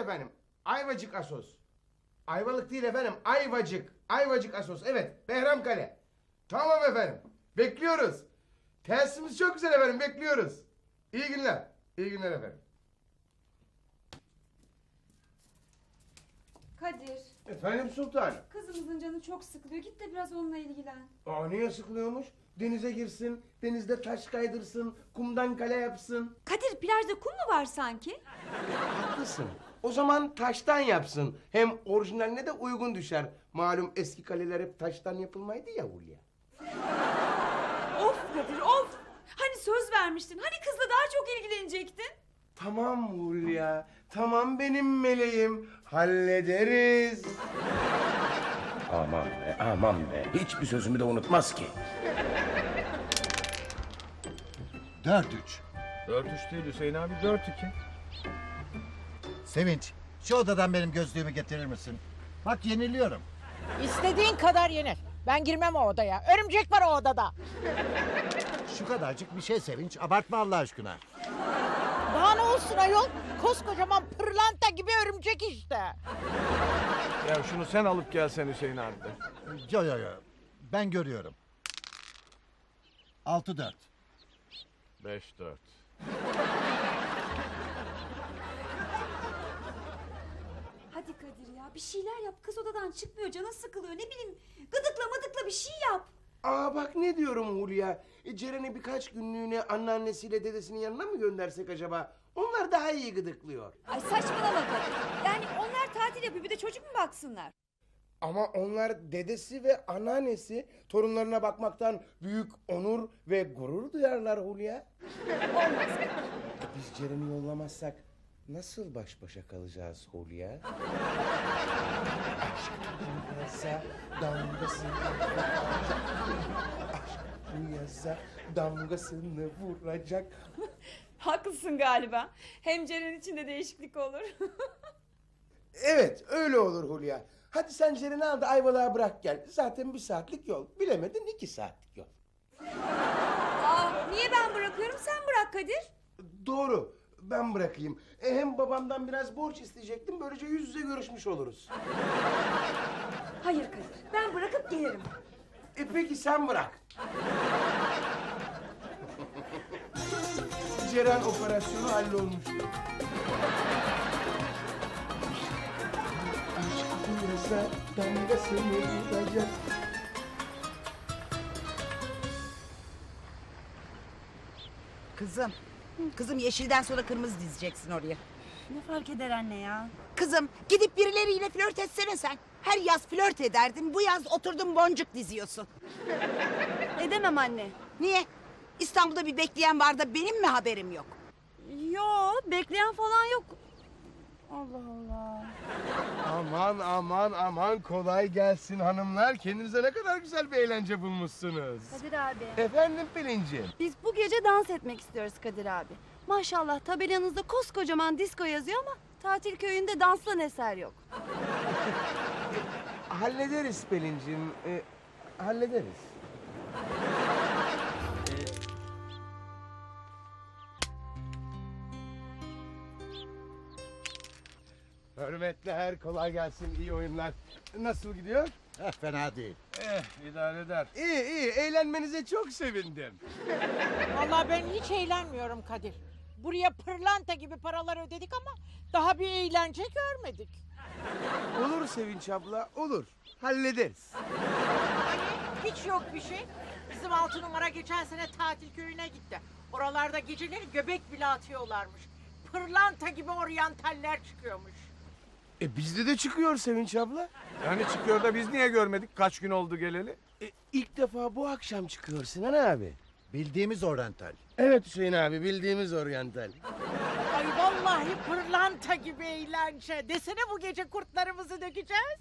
efendim. Ayvacık Asos. Ayvalık değil efendim. Ayvacık. Ayvacık Asos. Evet. Behramkale. Tamam efendim. Bekliyoruz. Tesisimiz çok güzel efendim. Bekliyoruz. İyi günler. İyi günler efendim. Kadir, Efendim sultanım. kızımızın canı çok sıkılıyor. Git de biraz onunla ilgilen. Aa, niye sıkılıyormuş? Denize girsin, denizde taş kaydırsın, kumdan kale yapsın. Kadir, plajda kum mu var sanki? Haklısın. O zaman taştan yapsın. Hem orijinaline de uygun düşer. Malum eski kaleler hep taştan yapılmaydı ya Hulya. Of Kadir, of! Hani söz vermiştin, hani kızla daha çok ilgilenecektin? Tamam Hulya, tamam benim meleğim. Hallederiz. Aman be, aman be. Hiçbir sözümü de unutmaz ki. 4-3. 4-3 değil Hüseyin abi, 4-2. Sevinç, şu odadan benim gözlüğümü getirir misin? Bak yeniliyorum. İstediğin kadar yenir. Ben girmem o odaya. Örümcek var o odada. Şu kadarcık bir şey Sevinç, abartma Allah aşkına. Daha ne olsun ayol? Koskocaman pırlanta gibi örümcek işte. Ya şunu sen alıp gelsen Hüseyin abi de. Yo, ben görüyorum. 6-4. 5-4. Hadi Kadir ya, bir şeyler yap. Kız odadan çıkmıyor, canı sıkılıyor. Ne bileyim, gıdıkla mıdıkla bir şey yap. Aa bak ne diyorum Hulya. Ceren'i birkaç günlüğüne anneannesiyle dedesinin yanına mı göndersek acaba? Onlar daha iyi gıdıklıyor. Ay saçmalama Kadir. Yani onlar tatil yapıyor, bir de çocuk mu baksınlar? Ama onlar dedesi ve anneannesi torunlarına bakmaktan büyük onur ve gurur duyarlar Hulya. Olmaz. Biz Ceren'i yollamazsak nasıl baş başa kalacağız Hulya? Aşk dünyasa damgasını vuracak. Aşk dünyasa damgasını vuracak. Haklısın galiba. Hem Ceren için de değişiklik olur. Evet öyle olur Hulya. Hadi sen Ceren'i al da Ayvalık'a bırak gel. Zaten 1 saatlik yol. Bilemedin 2 saatlik yol. Aa, niye ben bırakıyorum, sen bırak Kadir. Doğru. Ben bırakayım. Hem babamdan biraz borç isteyecektim. Böylece yüz yüze görüşmüş oluruz. Hayır Kadir, ben bırakıp gelirim. Peki sen bırak. Ceren operasyonu hallolmuştur. Aşk dünyasa damgasını vuracak. Kızım yeşilden sonra kırmızı dizeceksin oraya. Ne fark eder anne ya? Kızım gidip birileriyle flört etsene sen. Her yaz flört ederdin, bu yaz oturdun boncuk diziyorsun. Edemem anne. Niye? İstanbul'da bir bekleyen var da benim mi haberim yok? Yo, bekleyen falan yok. Allah Allah. Aman kolay gelsin hanımlar. Kendinize ne kadar güzel bir eğlence bulmuşsunuz. Kadir abi. Efendim Pelin'ciğim. Biz bu gece dans etmek istiyoruz Kadir abi. Maşallah tabelanızda koskocaman disco yazıyor ama tatil köyünde danslan eser yok. Hallederiz Pelin'ciğim. Hallederiz. Hürmetler, kolay gelsin, iyi oyunlar. Nasıl gidiyor? Fena değil. İdare eder. İyi, eğlenmenize çok sevindim. Vallahi ben hiç eğlenmiyorum Kadir. Buraya pırlanta gibi paralar ödedik ama daha bir eğlence görmedik. Olur Sevinç abla, olur. Hallederiz. Hani hiç yok bir şey. Bizim 6 numara geçen sene tatil köyüne gitti. Oralarda geceleri göbek bile atıyorlarmış. Pırlanta gibi oryantaller çıkıyormuş. Bizde de çıkıyor Sevinç abla. Yani çıkıyor da biz niye görmedik? Kaç gün oldu geleli? İlk defa bu akşam çıkıyor Sinan abi. Bildiğimiz oryantal. Evet Hüseyin abi, bildiğimiz oryantal. Ay vallahi pırlanta gibi eğlence. Desene bu gece kurtlarımızı dökeceğiz.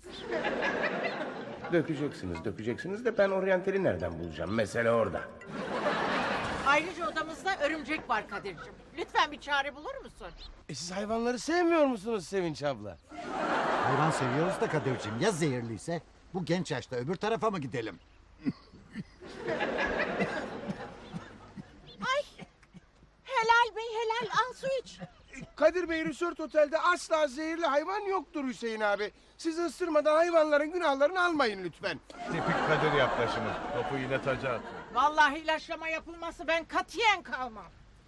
Dökeceksiniz de ben oryantali nereden bulacağım? Mesele orada. Ayrıca odamızda örümcek var Kadir'cim. Lütfen bir çare bulur musun? Siz hayvanları sevmiyor musunuz Sevinç abla? Hayvan seviyoruz da Kadir'cim, ya zehirliyse? Bu genç yaşta öbür tarafa mı gidelim? Helal bey helal, al su iç. Kadir Bey Resort Otel'de asla zehirli hayvan yoktur Hüseyin abi. Siz ısırmadan hayvanların günahlarını almayın lütfen. Tipik Kadir yaklaşımı. Topu yine taca atıyor. Vallahi ilaçlama yapılması ben katiyen kalmam.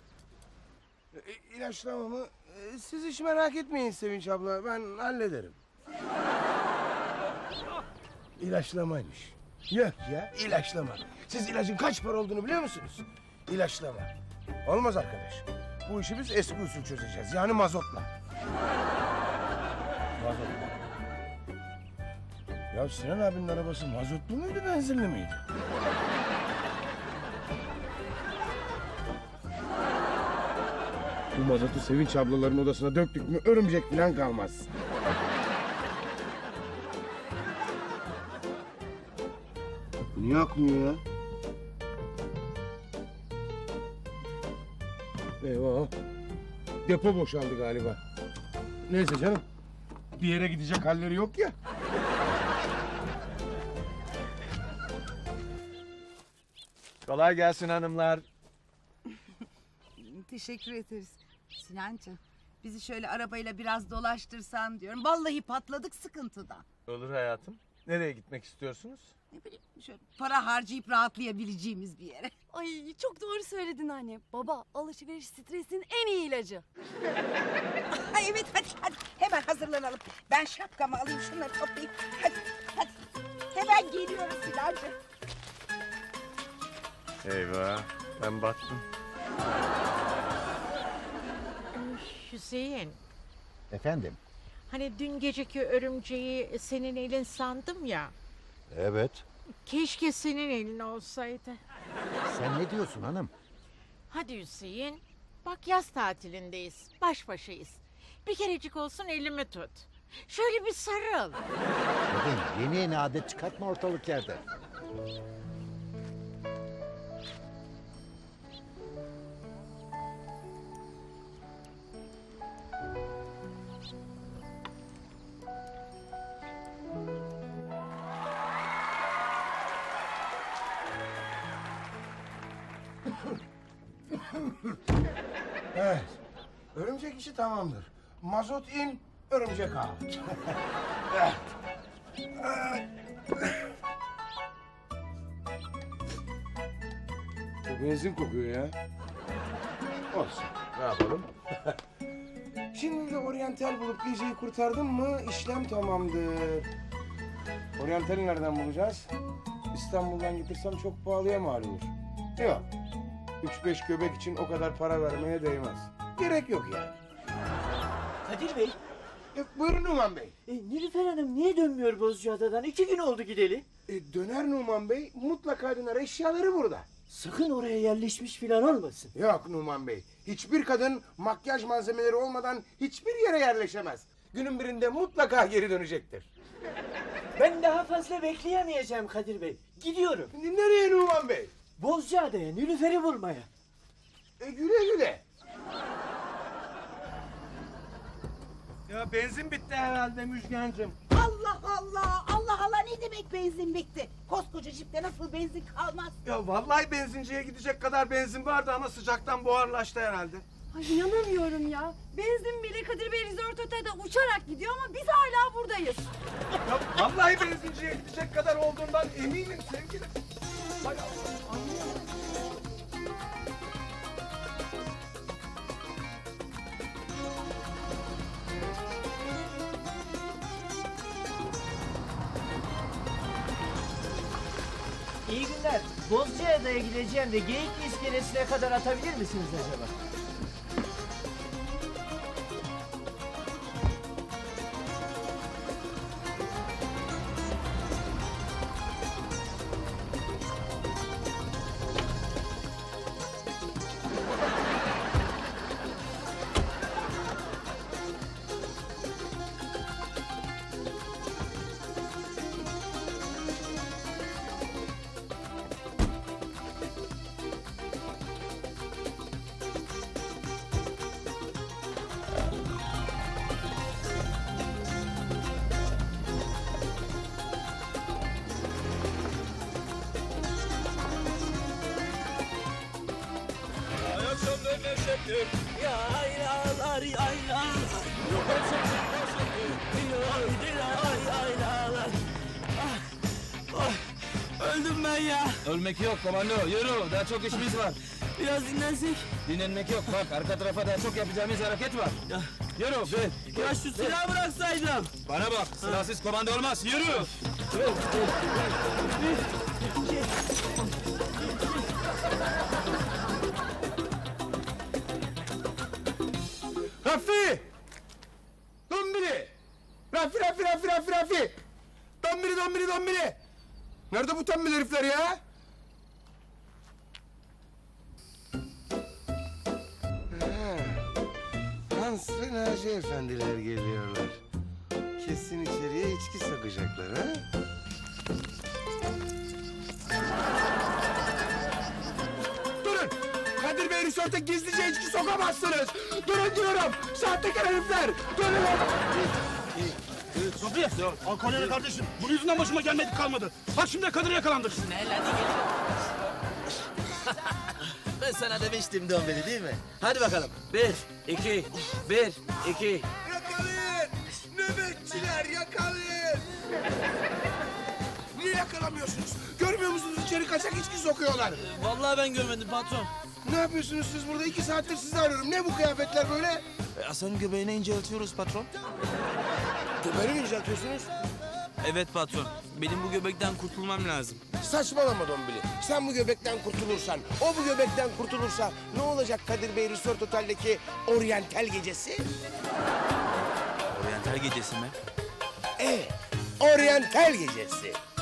İlaçlama mı? Siz hiç merak etmeyin Sevinç abla, ben hallederim. İlaçlamaymış. Yok ya, ilaçlama. Siz ilacın kaç para olduğunu biliyor musunuz? İlaçlama. Olmaz arkadaş. Bu işi biz eski usul çözeceğiz. Yani mazotla. Mazotla. Ya Sinan abinin arabası mazotlu muydu, benzinli miydi? Bu mazotu Sevinç ablaların odasına döktük mü örümcek falan kalmaz. Niye akmıyor ya? Eyvah. Depo boşaldı galiba. Neyse canım. Bir yere gidecek halleri yok ya. Kolay gelsin hanımlar. Teşekkür ederiz. Sinancığım bizi şöyle arabayla biraz dolaştırsan diyorum. Vallahi patladık sıkıntıdan. Olur hayatım. Nereye gitmek istiyorsunuz? Ne bileyim şöyle para harcayıp rahatlayabileceğimiz bir yere. Ay çok doğru söyledin anne. Baba alışveriş stresin en iyi ilacı. Ay evet hadi hemen hazırlanalım. Ben şapkamı alayım şunları toplayayım. Hadi hemen geliyorum Sinancığım. Eyvah. Ben battım. Hüseyin, Efendim? hani dün geceki örümceği senin elin sandım ya. Evet. Keşke senin elin olsaydı. Sen ne diyorsun hanım? Hadi Hüseyin, bak yaz tatilindeyiz, baş başayız. Bir kerecik olsun elimi tut. Şöyle bir sarıl. Kadın yeni adet çıkartma ortalık yerde. Evet. Örümcek işi tamamdır. Mazot in, örümcek out. Evet. Bu benzin kokuyor ya. Olsun. Ne yapalım? Şimdi de oryantal bulup geceyi kurtardım mı işlem tamamdır. Oryantali nereden bulacağız? İstanbul'dan getirsem çok pahalıya mal olur. Yok. 3-5 göbek için o kadar para vermeye değmez. Gerek yok yani. Kadir Bey, Buyurun Numan Bey. Nilüfer Hanım niye dönmüyor Bozcaada'dan? 2 gün oldu gideli. Döner Numan Bey, mutlaka döner, eşyaları burada. Sakın oraya yerleşmiş filan olmasın. Yok Numan Bey, hiçbir kadın makyaj malzemeleri olmadan hiçbir yere yerleşemez. Günün birinde mutlaka geri dönecektir. Ben daha fazla bekleyemeyeceğim Kadir Bey. Gidiyorum. Nereye Numan Bey? Bozcaada'ya Nilüfer'i bulmaya. Güle güle. Ya benzin bitti herhalde Müjgancığım. Allah ne demek benzin bitti? Koskoca jipte nasıl benzin kalmaz? Ya vallahi benzinciye gidecek kadar benzin vardı ama sıcaktan buharlaştı herhalde. Ay inanamıyorum ya. Benzin bile Kadir Bey Resort Otel'de uçarak gidiyor ama biz hala buradayız. Ya vallahi benzinciye gidecek kadar olduğundan eminim sevgilim. Hay Allah, anlıyorum. İyi günler. Bozcaada'ya gideceğim de Geyikli iskelesine kadar atabilir misiniz acaba? Yaylalar Öldüm ben ya. Ölmek yok komando. Yürü. Daha çok işimiz var. Biraz dinlensek. Dinlenmek yok. Bak arka tarafa daha çok yapacağımız hareket var. Ya. Yürü. Ver. Ya şu silahı bıraksaydım. Bana bak. Silahsız komando olmaz. Yürü. Rafi! Dombili! Rafi! Dombili! Nerede bu tembel herifler ya? Hans ve Naci efendiler geliyorlar. Kesin içeriye içki sokacaklar ha? Durun! Kadir Bey Resort'a gizlice içki sokamazsınız! Durun diyorum! Sahtekar herifler! Durun! Sofi. Alkolyere kardeşim. Bunun yüzünden başıma gelmedik kalmadı. Bak şimdi Kadir'e yakalandık. Ben sana demiştim Dombili değil mi? Hadi bakalım. 1, 2, 1, 2. Yakalayın! Nöbetçiler yakalayın! Niye yakalamıyorsunuz? Görmüyor musunuz içeri kaçak içki sokuyorlar? Vallahi ben görmedim patron. Ne yapıyorsunuz siz burada? 2 saattir sizi arıyorum. Ne bu kıyafetler böyle? Hasan'ın göbeğine inceltiyoruz patron. Göbeğini mi inceltiyorsunuz? Evet patron. Benim bu göbekten kurtulmam lazım. Saçmalama Dombili. Sen bu göbekten kurtulursan, o bu göbekten kurtulursa ne olacak Kadir Bey Resort Otel'deki oryantal gecesi? Oryantal gecesi mi? Evet, oryantal gecesi.